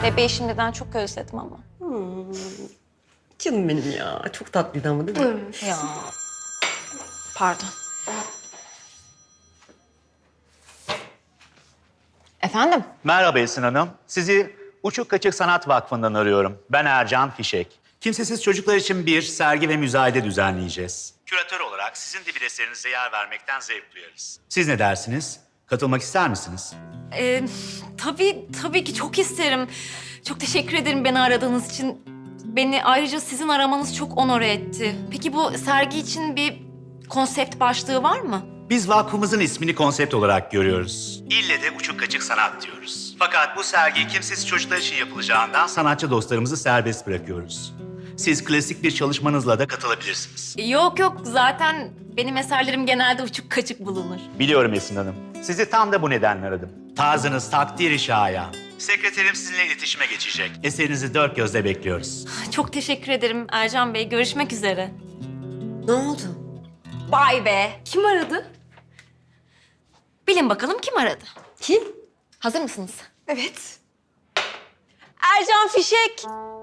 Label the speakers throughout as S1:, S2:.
S1: Bebeği şimdiden çok özledim ama.
S2: Canım benim ya. Çok tatlıydı ama değil mi?
S1: Ya. Pardon. Efendim?
S3: Merhaba Esin Hanım. Sizi Uçuk Kaçık Sanat Vakfı'ndan arıyorum. Ben Ercan Fişek. Kimsesiz çocuklar için bir sergi ve müzayede düzenleyeceğiz. Küratör olarak sizin de bir eserinize yer vermekten zevk duyarız. Siz ne dersiniz? Katılmak ister misiniz?
S1: Tabii ki çok isterim. Çok teşekkür ederim beni aradığınız için. Beni ayrıca sizin aramanız çok onore etti. Peki bu sergi için bir konsept başlığı var mı?
S3: Biz vakfımızın ismini konsept olarak görüyoruz. İlle de Uçuk Kaçık Sanat diyoruz. Fakat bu sergi kimsesiz çocuklar için yapılacağından sanatçı dostlarımızı serbest bırakıyoruz. Siz klasik bir çalışmanızla da katılabilirsiniz.
S1: Yok zaten benim eserlerim genelde uçuk kaçık bulunur.
S3: Biliyorum Esin Hanım. Sizi tam da bu nedenle aradım. Tarzınız takdiri şayan. Sekreterim sizinle iletişime geçecek. Eserinizi dört gözle bekliyoruz.
S1: Çok teşekkür ederim Ercan Bey. Görüşmek üzere.
S2: Ne oldu?
S1: Vay be.
S4: Kim aradı?
S1: Bilin bakalım kim aradı?
S2: Kim?
S1: Hazır mısınız?
S4: Evet.
S1: Ercan Fişek.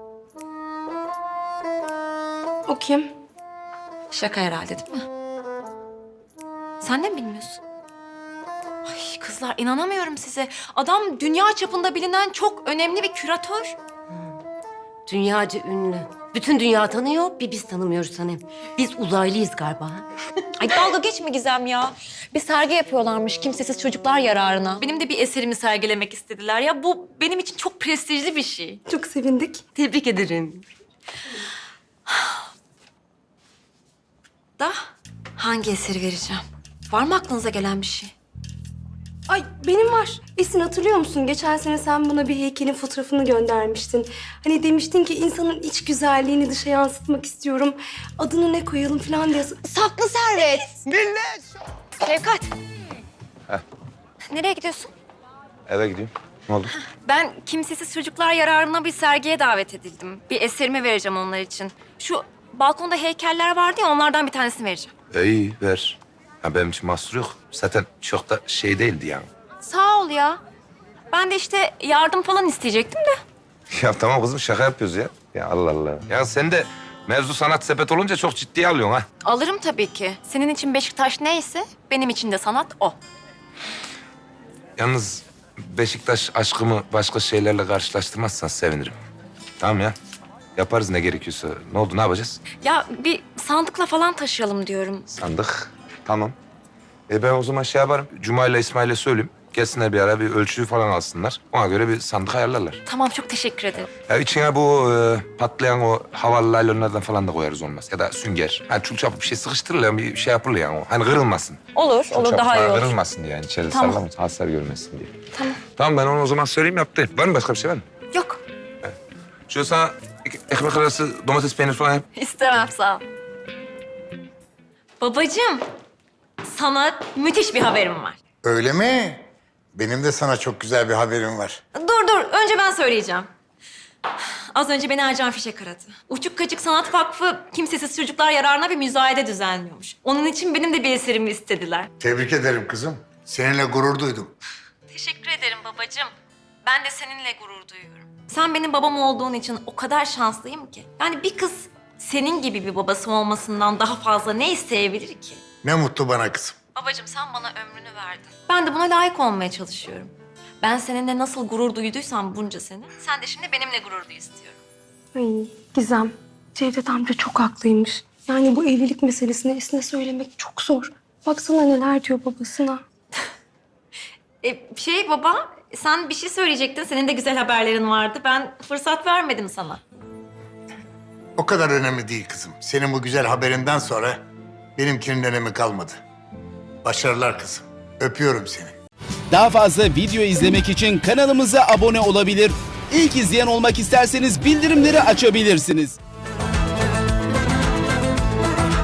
S4: O kim?
S1: Şaka herhalde değil mi? Sen de mi bilmiyorsun? Ay kızlar inanamıyorum size. Adam dünya çapında bilinen çok önemli bir küratör.
S2: Dünyaca ünlü. Bütün dünya tanıyor, bir biz tanımıyoruz Sanem. Biz uzaylıyız galiba.
S1: Ay dalga geçme Gizem ya. Bir sergi yapıyorlarmış kimsesiz çocuklar yararına. Benim de bir eserimi sergilemek istediler. Ya bu benim için çok prestijli bir şey.
S4: Çok sevindik.
S2: Tebrik ederim.
S1: Da hangi eseri vereceğim? Var mı aklınıza gelen bir şey?
S4: Ay benim var. Esin hatırlıyor musun? Geçen sene sen bana bir heykelin fotoğrafını göndermiştin. Hani demiştin ki insanın iç güzelliğini dışa yansıtmak istiyorum. Adını ne koyalım falan diye.
S1: Saklı servet. Şevkat. Nereye gidiyorsun?
S5: Eve gidiyorum. Ne oldu?
S1: Ben kimsesiz çocuklar yararına bir sergiye davet edildim. Bir eserimi vereceğim onlar için. Şu balkonda heykeller vardı ya onlardan bir tanesini vereceğim.
S5: İyi ver. Ya benim için mahsur yok. Zaten çok da şey değildi yani.
S1: Sağ ol ya. Ben de işte yardım falan isteyecektim de.
S5: Ya tamam kızım şaka yapıyoruz ya. Ya Allah Allah. Ya sen de mevzu sanat sepet olunca çok ciddiye alıyorsun ha.
S1: Alırım tabii ki. Senin için Beşiktaş neyse benim için de sanat o.
S5: Yalnız Beşiktaş aşkımı başka şeylerle karşılaştırmazsan sevinirim. Tamam ya. Yaparız ne gerekiyorsa. Ne oldu ne yapacağız?
S1: Ya bir sandıkla falan taşıyalım diyorum.
S5: Sandık. Tamam. Ben o zaman şey yaparım. Cuma ile İsmail'e söyleyeyim. Gelsinler bir ara bir ölçüyü falan alsınlar. Ona göre bir sandık ayarlarlar.
S1: Tamam çok teşekkür ederim.
S5: Ya içine bu patlayan o havalı laylonlardan falan da koyarız olmaz. Ya da sünger. Hani çul çaput bir şey sıkıştırılıyor, bir şey yapılıyor yani o. Hani kırılmasın.
S1: Olur,
S5: Çul
S1: olur
S5: çaput
S1: daha iyi
S5: falan
S1: olur.
S5: kırılmasın diye yani. İçeride
S1: Tamam.
S5: sallamasın, hasar görmesin diye.
S1: Tamam.
S5: Tamam ben onu o zaman söyleyeyim yaptı. Var mı başka bir şey var mı?
S1: Yok,
S5: Şöyle sana ekmek arası domates peynir falan yap.
S1: istemem sağ ol. Babacığım, sana müthiş bir haberim var.
S6: Öyle mi? Benim de sana çok güzel bir haberim var.
S1: Dur, önce ben söyleyeceğim. Az önce beni Ercan Fişek aradı. Uçuk Kaçık Sanat Vakfı kimsesiz çocuklar yararına bir müzayede düzenliyormuş. Onun için benim de bir eserimi istediler.
S6: Tebrik ederim kızım. Seninle gurur duydum.
S1: Teşekkür ederim babacığım. Ben de seninle gurur duyuyorum. Sen benim babam olduğun için o kadar şanslıyım ki. Yani bir kız senin gibi bir babası olmasından daha fazla ne isteyebilir ki?
S6: Ne mutlu bana kızım.
S1: Babacığım sen bana ömrünü verdin. Ben de buna layık olmaya çalışıyorum. Ben seninle nasıl gurur duyduysam bunca sene, sen de şimdi benimle gurur duy istiyorum.
S4: Ay Gizem. Cevdet amca çok haklıymış. Yani bu evlilik meselesini Esin'e söylemek çok zor. Baksana neler diyor babasına.
S1: Baba, sen bir şey söyleyecektin. Senin de güzel haberlerin vardı. Ben fırsat vermedim sana.
S6: O kadar önemli değil kızım. Senin bu güzel haberinden sonra benimkinin önemi kalmadı. Başarılar kızım. Öpüyorum seni.
S7: Daha fazla video izlemek için kanalımıza abone olabilir. İlk izleyen olmak isterseniz bildirimleri açabilirsiniz.